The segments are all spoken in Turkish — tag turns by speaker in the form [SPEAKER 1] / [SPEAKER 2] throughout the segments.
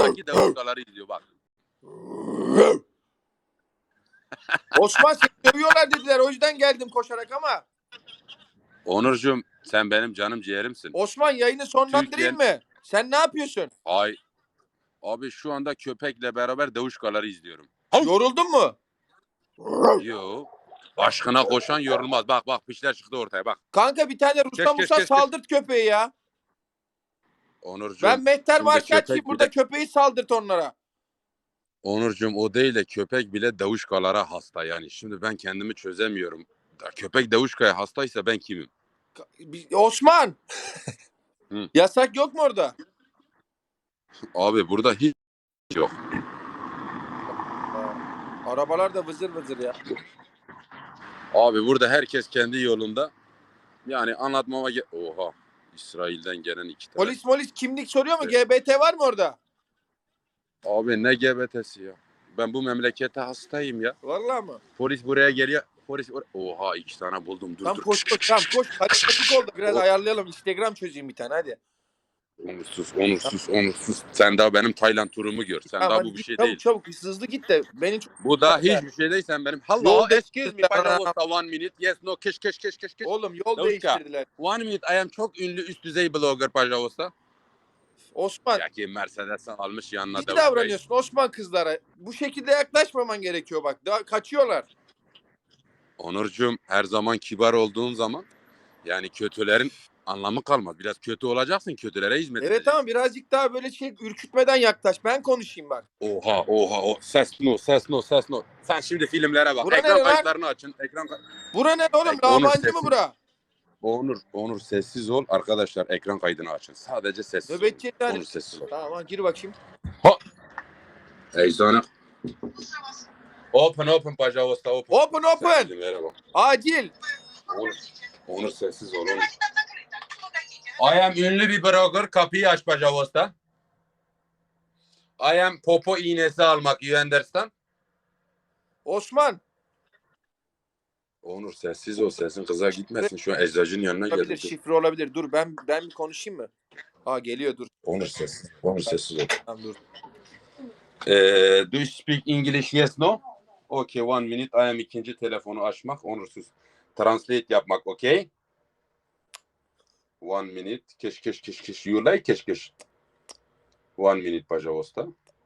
[SPEAKER 1] sanki davuşkaları izliyor bak.
[SPEAKER 2] Osman seni dövüyorlar dediler. O yüzden geldim koşarak ama.
[SPEAKER 1] Onurcuğum sen benim canım ciğerimsin.
[SPEAKER 2] Osman yayını sonlandırayım mı? Sen ne yapıyorsun?
[SPEAKER 1] Ay abi şu anda köpekle beraber davuşkaları izliyorum.
[SPEAKER 2] Yoruldun mu?
[SPEAKER 1] Yo. Aşkına koşan yorulmaz. Bak bak pişler çıktı ortaya bak.
[SPEAKER 2] Kanka bir tane Ruslan
[SPEAKER 1] Kes,
[SPEAKER 2] Musa saldırt köpeği ya.
[SPEAKER 1] Onurcuğum.
[SPEAKER 2] Ben Mehter
[SPEAKER 1] şimdi
[SPEAKER 2] Marşatçı
[SPEAKER 1] köpek
[SPEAKER 2] burada
[SPEAKER 1] bile-
[SPEAKER 2] köpeği saldırt onlara.
[SPEAKER 1] Onurcuğum o değil de köpek bile davuşkalara hasta yani. Şimdi ben kendimi çözemiyorum. Köpek davuşkaya hastaysa ben kimim?
[SPEAKER 2] Osman.
[SPEAKER 1] Hı.
[SPEAKER 2] Yasak yok mu orada?
[SPEAKER 1] Abi burada hiç yok.
[SPEAKER 2] Arabalar da vızır vızır ya.
[SPEAKER 1] Abi burada herkes kendi yolunda. Yani anlatmama Oha. İsrail'den gelen 2 tane.
[SPEAKER 2] Polis kimlik soruyor mu? GBT var mı orada?
[SPEAKER 1] Abi ne GBT'si ya? Ben bu memlekete hastayım ya.
[SPEAKER 2] Vallahi mı?
[SPEAKER 1] Polis buraya geliyor. Oha 2 tane buldum. Dur
[SPEAKER 2] Tam
[SPEAKER 1] dur.
[SPEAKER 2] koş. Karizmatik oldu. Biraz ayarlayalım. Instagram çözeyim bir tane hadi.
[SPEAKER 1] Onursuz. Sen daha benim Tayland turumu gör. Sen
[SPEAKER 2] Tamam,
[SPEAKER 1] daha
[SPEAKER 2] hadi
[SPEAKER 1] bu bir
[SPEAKER 2] git,
[SPEAKER 1] şey
[SPEAKER 2] çabuk,
[SPEAKER 1] değil.
[SPEAKER 2] Çabuk hızlı git de beni çok...
[SPEAKER 1] Bu da hiçbir şey değil sen benim. Hello,
[SPEAKER 2] Yol
[SPEAKER 1] excuse me,
[SPEAKER 2] değiştirdiler.
[SPEAKER 1] pajavosta, 1 minute. Yes, no, keş.
[SPEAKER 2] Oğlum yol
[SPEAKER 1] Davuşka.
[SPEAKER 2] değiştirdiler.
[SPEAKER 1] 1 minute, I am çok ünlü üst düzey blogger pajavosta.
[SPEAKER 2] Osman.
[SPEAKER 1] Ya ki Mercedes'ten almış yanına
[SPEAKER 2] İyi
[SPEAKER 1] Davuşka'yı.
[SPEAKER 2] davranıyorsun Osman kızlara. Bu şekilde yaklaşmaman gerekiyor bak. Daha kaçıyorlar.
[SPEAKER 1] Onurcuğum her zaman kibar olduğun zaman yani kötülerin anlamı kalmaz. Biraz kötü olacaksın, kötülere hizmet
[SPEAKER 2] Evet
[SPEAKER 1] edeceksin.
[SPEAKER 2] tamam birazcık daha böyle ürkütmeden yaklaş. Ben konuşayım bak.
[SPEAKER 1] Oha. Ses no. Sen şimdi filmlere bak.
[SPEAKER 2] Bura
[SPEAKER 1] ekran
[SPEAKER 2] nere lan?
[SPEAKER 1] kayıtlarını açın.
[SPEAKER 2] Bura ne oğlum?
[SPEAKER 1] Onur
[SPEAKER 2] Labancı
[SPEAKER 1] sessiz.
[SPEAKER 2] mı bura?
[SPEAKER 1] Onur sessiz ol. Arkadaşlar ekran kaydını açın. Sadece sessiz ol.
[SPEAKER 2] Nöbetçi yani.
[SPEAKER 1] Onur sessiz ol.
[SPEAKER 2] Tamam gir bakayım.
[SPEAKER 1] Eczane. Open pajavosta open.
[SPEAKER 2] Open.
[SPEAKER 1] Filmlere bak.
[SPEAKER 2] Acil.
[SPEAKER 1] Onur sessiz ol. I am ünlü bir blogger. Kapıyı aç pajavosta. I am popo iğnesi almak. You understand?
[SPEAKER 2] Osman.
[SPEAKER 1] Onur sessiz ol. Sesin kıza gitmesin. Şu an eczacının yanına
[SPEAKER 2] Olabilir,
[SPEAKER 1] geldim.
[SPEAKER 2] şifre olabilir. Dur ben bir konuşayım mı? Geliyor dur.
[SPEAKER 1] Onur sessiz ol.
[SPEAKER 2] Tamam dur.
[SPEAKER 1] Do you speak English? Yes, no? Okay, 1 minute. I am ikinci telefonu açmak. Onursuz. Translate yapmak, okay? 1 minute. Keş. You like keş. 1 minute pajavosta.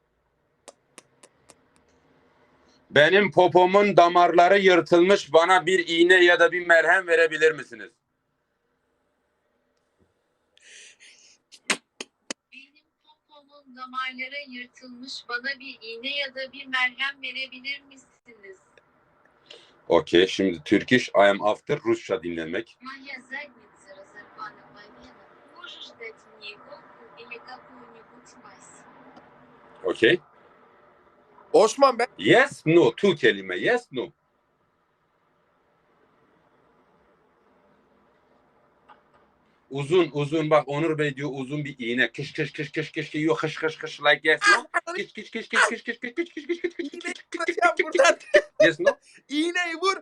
[SPEAKER 1] Benim popomun damarları yırtılmış. Bana bir iğne ya da bir merhem verebilir misiniz?
[SPEAKER 3] Benim popomun damarlara yırtılmış. Bana bir iğne ya da bir merhem verebilir misiniz?
[SPEAKER 1] Okay, şimdi Turkish. I am after Rusça dinlemek.
[SPEAKER 3] Моя задница разорвана по венам. Можешь дать мне иголку или какую-нибудь мазь?
[SPEAKER 1] Okay.
[SPEAKER 2] Osman ben
[SPEAKER 1] Yes, no. 2 kelime. Yes, no. Uzun bak Onur Bey diyor uzun bir iğne. Kış yok kış like yes no.
[SPEAKER 2] buradan
[SPEAKER 1] Yes no.
[SPEAKER 2] iğneyi vur.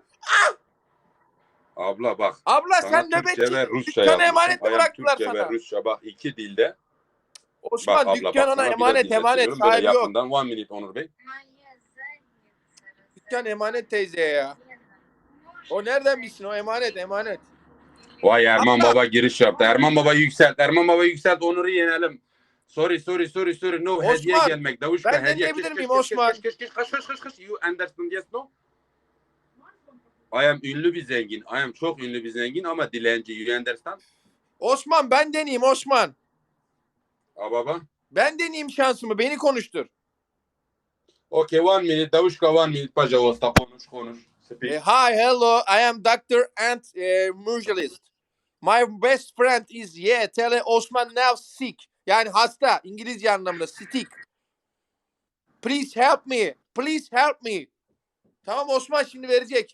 [SPEAKER 1] Abla bak.
[SPEAKER 2] Abla
[SPEAKER 1] Sana
[SPEAKER 2] sen
[SPEAKER 1] Türkçe
[SPEAKER 2] nöbetçi.
[SPEAKER 1] ve Rusça
[SPEAKER 2] Dükkanı
[SPEAKER 1] yazmışım.
[SPEAKER 2] emanet mi
[SPEAKER 1] I am
[SPEAKER 2] bıraktılar
[SPEAKER 1] Türkçe ve
[SPEAKER 2] sana?
[SPEAKER 1] Rusça bak 2 dilde.
[SPEAKER 2] Osman
[SPEAKER 1] Bak abla
[SPEAKER 2] dükkan
[SPEAKER 1] bak
[SPEAKER 2] ona
[SPEAKER 1] sana
[SPEAKER 2] emanet
[SPEAKER 1] biraz dinletiyorum. Böyle
[SPEAKER 2] sahibi yok.
[SPEAKER 1] yakından 1 minute Onur Bey.
[SPEAKER 3] Моя задница
[SPEAKER 2] Dükkan emanet teyzeye ya. O nereden bilsin o emanet.
[SPEAKER 1] Vay Erman
[SPEAKER 2] Abla.
[SPEAKER 1] Baba giriş yaptı. Erman Baba yükselt. Onur'u yenelim. Sorry. No
[SPEAKER 2] Osman,
[SPEAKER 1] hediye gelmek. Davuşka
[SPEAKER 2] ben
[SPEAKER 1] hediye.
[SPEAKER 2] deneyebilir miyim Osman?
[SPEAKER 1] Kış. You understand yes no? I am ünlü bir zengin. I am çok ünlü bir zengin ama dilenci. You understand?
[SPEAKER 2] Osman ben deneyeyim Osman.
[SPEAKER 1] Baba.
[SPEAKER 2] Ben deneyeyim şansımı beni konuştur.
[SPEAKER 1] Okay 1 minute. Davuşka 1 minute. Pajavosta konuş. Speak.
[SPEAKER 2] Hi, hello. I am Dr. Ant Mujalist. My best friend is tell Osman now sick. Yani hasta. İngilizce anlamında sick. Please help me. Tamam Osman şimdi verecek.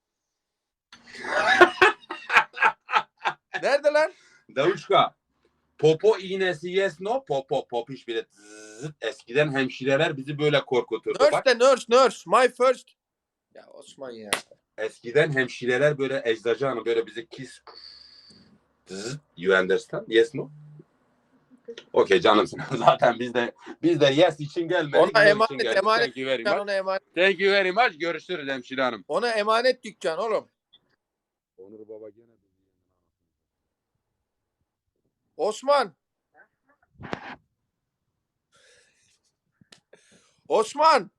[SPEAKER 2] Nerede lan?
[SPEAKER 1] Davuşka. Popo iğnesi yes no. Popiş bile zıt. Eskiden hemşireler bizi böyle korkuturdu.
[SPEAKER 2] Nurse
[SPEAKER 1] Bak.
[SPEAKER 2] de nurse. My first. Ya Osman ya.
[SPEAKER 1] Eskiden hemşireler böyle eczacı hanım böyle bizi kiss. You understand? Yes no? Okey canımsın. Zaten biz de yes için gelmedik.
[SPEAKER 2] Ona
[SPEAKER 1] No için
[SPEAKER 2] emanet
[SPEAKER 1] geldik.
[SPEAKER 2] emanet
[SPEAKER 1] Thank you very
[SPEAKER 2] dükkan,
[SPEAKER 1] much.
[SPEAKER 2] ona emanet.
[SPEAKER 1] Thank you very much. Görüşürüz hemşire hanım.
[SPEAKER 2] Ona emanet dükkan oğlum.
[SPEAKER 1] Onur baba gene
[SPEAKER 2] Osman. Osman.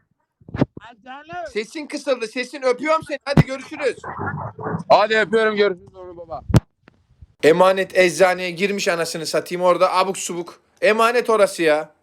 [SPEAKER 2] Sesin kısıldı. Sesin, öpüyorum seni. Hadi görüşürüz.
[SPEAKER 1] Hadi öpüyorum, görüşürüz Onur baba.
[SPEAKER 2] Emanet eczaneye girmiş, anasını satayım, orada abuk subuk. Emanet orası ya.